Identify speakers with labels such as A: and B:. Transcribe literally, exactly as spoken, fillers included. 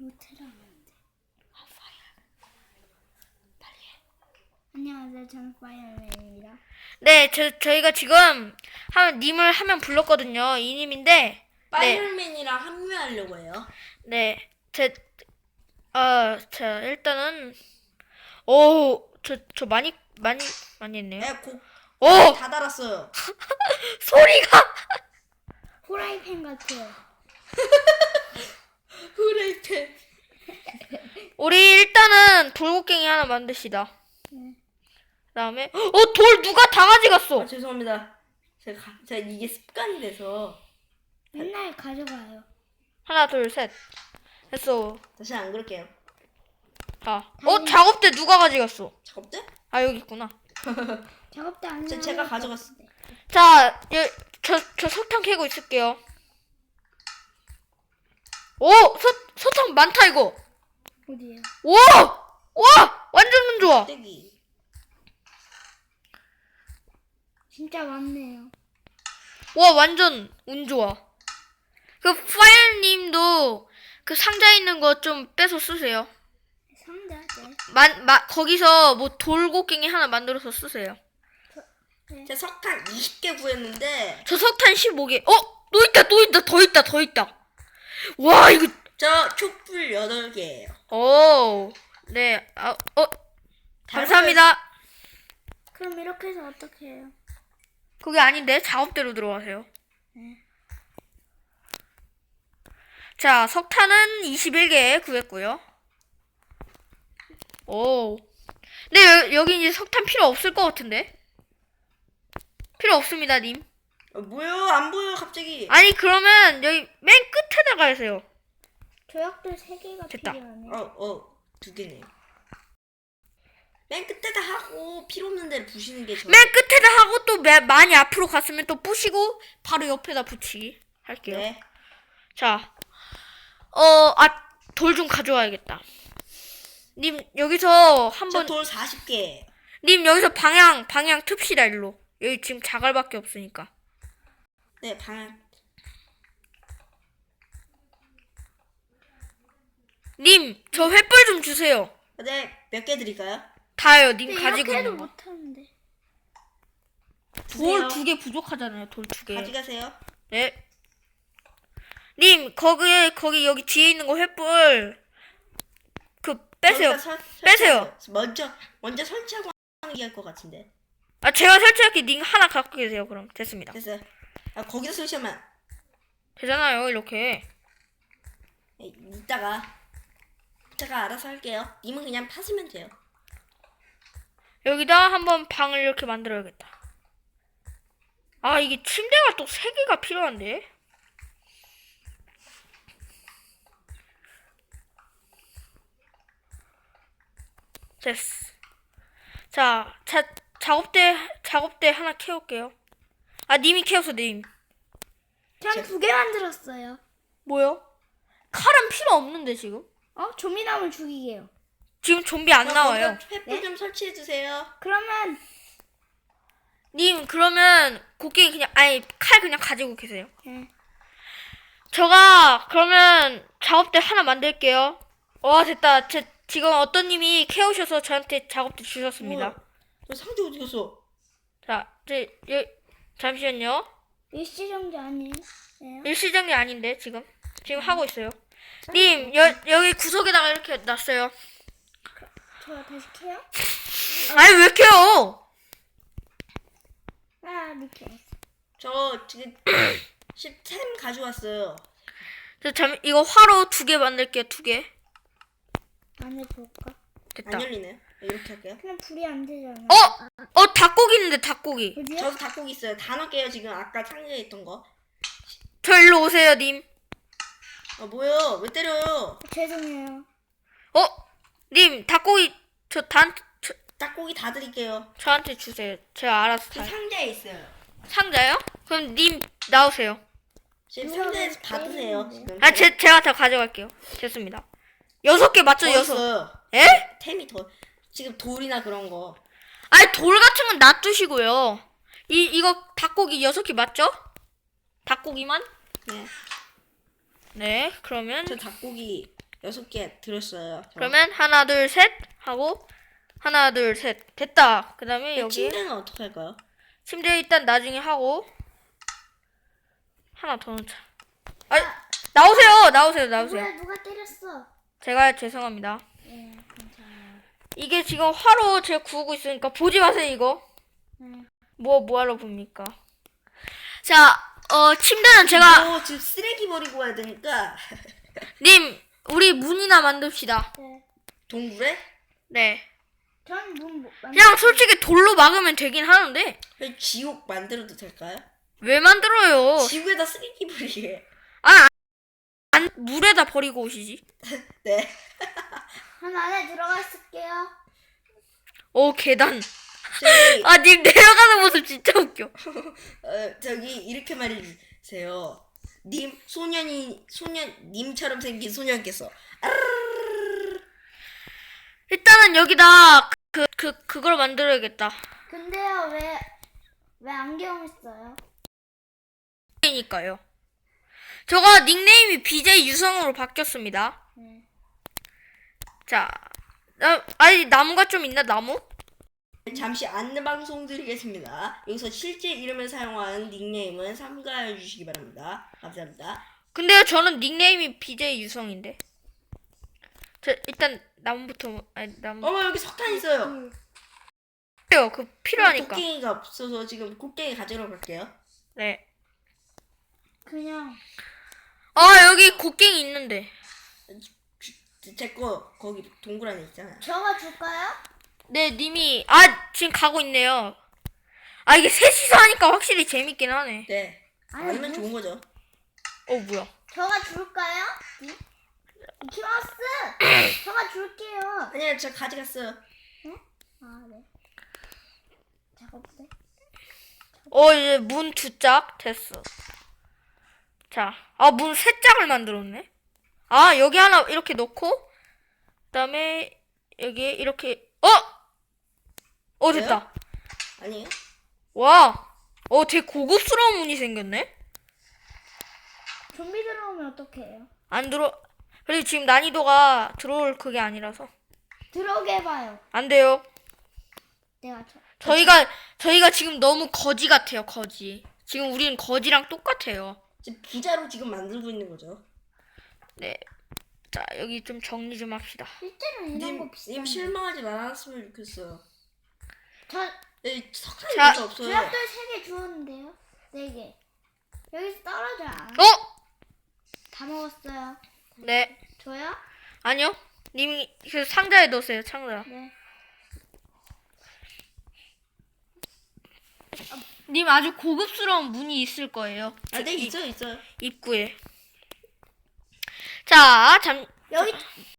A: 못해라 하는데. 아, 파이어. 빨리 해. 안녕하세요. 저는 파이어맨입니다.
B: 네, 저, 저희가 지금 한 님을 한 명 불렀거든요. 이 님인데,
C: 파이어맨이랑 합류하려고 해요.
B: 네, 제, 어, 자, 일단은, 오, 저, 저 많이, 많이, 많이 했네요.
C: 네, 곡
B: 오!
C: 다 달았어요.
B: 소리가!
A: 후라이팬 같아요.
C: 후레이팬.
B: 우리 일단은 돌고갱이 하나 만드시다.
A: 네.
B: 그 다음에, 어, 돌 누가 다 가져갔어!
C: 아, 죄송합니다. 제가, 가- 제가 이게 습관이 돼서
A: 맨날 가져가요.
B: 하나, 둘, 셋. 됐어.
C: 다시 안 그럴게요.
B: 자, 어, 작업대 누가 가져갔어?
C: 작업대?
B: 아, 여기 있구나.
A: 작업대 안
C: 제- 제가 가져갔어.
B: 자, 여, 저, 저 석탄 캐고 있을게요. 오! 서, 석탄 많다, 이거!
A: 어디에요?
B: 와! 와! 완전 운 좋아!
C: 떼기.
A: 진짜 많네요.
B: 와, 완전 운 좋아. 그, 파이어님도 그 상자에 있는 거 좀 빼서 쓰세요.
A: 상자, 네.
B: 만, 마, 거기서 뭐 돌고갱이 하나 만들어서 쓰세요.
C: 제가 석탄 이십 개 구했는데
B: 저 석탄 십오 개. 어? 또 있다, 또 있다, 더 있다, 더 있다. 와, 이거,
C: 저 촛불 여덟 개예요.
B: 오. 네, 아, 어, 감사합니다.
A: 그럼 이렇게 해서 어떻게 해요?
B: 그게 아닌데, 작업대로 들어가세요.
A: 네.
B: 자, 석탄은 이십일 개 구했고요. 오. 근데 여, 여기 이제 석탄 필요 없을 것 같은데? 필요 없습니다, 님.
C: 어, 뭐요? 안 보여 갑자기.
B: 아니, 그러면 여기 맨 끝에다 가세요.
A: 조약돌 세 개가
B: 됐다.
A: 필요하네.
C: 어, 어, 두 개네요. 맨 끝에다 하고 필요 없는 데를 부시는 게 저.
B: 맨 끝에다 하고 또 매, 많이 앞으로 갔으면 또 부시고 바로 옆에다 붙이기 할게요.
C: 네.
B: 자, 어, 아, 돌 좀 가져와야겠다. 님, 여기서 한번,
C: 저돌 사십 개.
B: 님, 여기서 방향, 방향 틉시다, 일로. 여기 지금 자갈밖에 없으니까.
C: 네, 방.
B: 님, 저 횃불 좀 주세요.
C: 네, 몇 개 드릴까요?
B: 다요, 님
A: 근데
B: 가지고
A: 이렇게도
B: 있는 거.
A: 못하는데.
B: 돌
C: 주세요.
B: 두 개 부족하잖아요, 돌 두 개.
C: 가져가세요.
B: 네. 님, 거기, 거기, 여기 뒤에 있는 거 횃불. 그, 빼세요.
C: 저기다 설-
B: 빼세요.
C: 설치하세요. 먼저, 먼저 설치하고 하는 게 할 것 같은데.
B: 아, 제가 설치할게. 님 하나 갖고 계세요, 그럼. 됐습니다.
C: 됐어요. 아, 거기다 설치하면
B: 되잖아요, 이렇게.
C: 에, 이따가 제가 알아서 할게요. 님은 그냥 파시면 돼요.
B: 여기다 한번 방을 이렇게 만들어야겠다. 아, 이게 침대가 또 세 개가 필요한데? 됐어. 자, 자, 작업대, 작업대 하나 캐올게요. 아, 님이 캐어서 님.
A: 전 두 개 만들었어요.
B: 뭐요? 칼은 필요 없는데, 지금?
A: 어? 조미나물 죽이게요.
B: 지금 좀비 안 나와요.
C: 횃불
A: 네?
C: 좀 설치해 주세요.
A: 그러면
B: 님, 그러면 곡괭이 그냥, 아니, 칼 그냥 가지고 계세요.
A: 네.
B: 저가, 그러면 작업대 하나 만들게요. 와, 됐다. 제, 지금 어떤 님이 캐오셔서 저한테 작업대 주셨습니다.
C: 뭐야? 저 상자 어디 갔어?
B: 자, 저, 여, 잠시만요.
A: 일시정지 아니에요?
B: 일시정지 아닌데, 지금. 지금 하고 있어요. 님, 여, 여기 구석에다가 이렇게 놨어요.
A: 저 다시 캐요?
B: 아니, 왜 캐요?
A: 아, 이렇게.
C: 저 지금 십템 가져왔어요.
B: 저 잠, 이거 화로 두 개 만들게요, 두 개.
A: 안 해볼까?
B: 됐다.
C: 안 열리네요. 이렇게 할게요.
A: 그냥 불이 안 되잖아.
B: 어! 어, 닭고기 있는데, 닭고기.
A: 어디요?
C: 저도 닭고기 있어요. 다 넣을게요. 지금 아까 상자에 있던 거.
B: 저 일로 오세요, 님.
C: 아 뭐요? 왜 때려요?
A: 죄송해요.
B: 어? 님, 닭고기, 저, 단, 저,
C: 닭고기 다 드릴게요.
B: 저한테 주세요. 제가 알아서
C: 그
B: 다.
C: 상자에 있어요.
B: 상자요? 그럼 님, 나오세요.
C: 지금
A: 누가
C: 상자에서
A: 왜
C: 받으세요.
A: 때리는데?
C: 지금.
B: 아, 제, 제가 다 가져갈게요. 됐습니다. 여섯 개 맞죠,
C: 더
B: 여섯?
C: 있어요.
B: 에?
C: 템이 더. 지금 돌이나 그런 거.
B: 아니, 돌 같은 건 놔두시고요. 이, 이거 닭고기 여섯 개 맞죠? 닭고기만?
C: 네.
B: 네, 그러면
C: 저 닭고기 여섯 개 들었어요. 저.
B: 그러면 하나 둘 셋 하고 하나 둘 셋 됐다. 그 다음에 여기
C: 침대는 어떻게 할까요?
B: 침대 일단 나중에 하고 하나 더 넣자. 아 나오세요 나오세요 나오세요.
A: 누가 누가 때렸어?
B: 제가 죄송합니다.
A: 네, 괜찮아요.
B: 이게 지금 화로 제가 구우고 있으니까 보지 마세요 이거.
A: 네.
B: 뭐 뭐하러 봅니까? 자, 어 침대는 제가
C: 어, 지금 쓰레기 버리고 와야 되니까
B: 님 우리 문이나 만듭시다.
A: 네.
C: 동굴에
B: 네.
A: 전문 뭐,
B: 그냥 솔직히 돌로 막으면 되긴 하는데
C: 저희 지옥 만들어도 될까요?
B: 왜 만들어요?
C: 지옥에다 쓰레기 버리게.
B: 아, 안, 물에다 버리고 오시지.
C: 네.
A: 한 안에 들어가 있을게요.
B: 오 계단.
C: 저기
B: 아, 님 내려가는 모습 진짜 웃겨.
C: 어, 저기 이렇게 말해주세요. 님 소년이 소년 님처럼 생긴 소년께서
B: 일단은 여기다 그 그 그, 걸 만들어야겠다.
A: 근데요, 왜, 왜 안경 있어요?
B: 니까요. 저가 닉네임이 비제이 유성으로 바뀌었습니다.
A: 네.
B: 자, 나, 아니 나무가 좀 있나 나무?
C: 잠시 안내 방송 드리겠습니다. 여기서 실제 이름을 사용한 닉네임은 삼가해 주시기 바랍니다. 감사합니다.
B: 근데요 저는 닉네임이 비제이 유성인데. 저 일단 나무부터 아니 나무.
C: 어머 여기 석탄 있어요.
A: 음.
B: 요 그 필요하니까.
C: 곡괭이가 없어서 지금 곡괭이 가지러 갈게요.
B: 네.
A: 그냥,
B: 아 여기 곡괭이 있는데.
C: 제 거 거기 동굴 안에 있잖아요.
A: 저가 줄까요?
B: 네, 님이 아 지금 가고 있네요. 아 이게 셋이서 하니까 확실히 재밌긴 하네.
C: 네.
A: 아니,
C: 아니면
A: 뭐-
C: 좋은 거죠.
B: 어 뭐야?
A: 저가 줄까요? 키마스! 저가 줄게요.
C: 아니야 저 가져갔어요.
A: 아, 네. 작업대?
B: 어 이제 문 두 짝 됐어. 자, 아 문 세 짝을 만들었네. 아 여기 하나 이렇게 놓고 그다음에 여기 이렇게 어, 어 됐다.
C: 아니에요?
B: 와, 어 되게 고급스러운 문이 생겼네.
A: 좀비 들어오면 어떡 해요?
B: 안 들어. 그리고 지금 난이도가 들어올 그게 아니라서
A: 들어오게 해봐요.
B: 안 돼요.
A: 내가 저.
B: 저희가 저희가 지금 너무 거지 같아요. 거지. 지금 우리는 거지랑 똑같아요.
C: 지금 부자로 지금 만들고 있는 거죠.
B: 네. 자 여기 좀 정리 좀 합시다.
A: 실제로 이런
C: 님,
A: 거
C: 님
A: 비싼데.
C: 실망하지 말았으면 좋겠어요.
A: 저,
C: 네, 석탄이
B: 자,
C: 별로 없어요.
A: 드랍돌 세 개 주었는데요? 네 개. 여기서 떨어져 안.
B: 어?
A: 다 먹었어요.
B: 네.
A: 저요?
B: 아니요. 님이 그 상자에 넣으세요. 상자.
A: 네.
B: 님 아주 고급스러운 문이 있을 거예요.
C: 아, 네
B: 이-
C: 있어요, 있어요.
B: 입구에. 자, 잠
A: 여기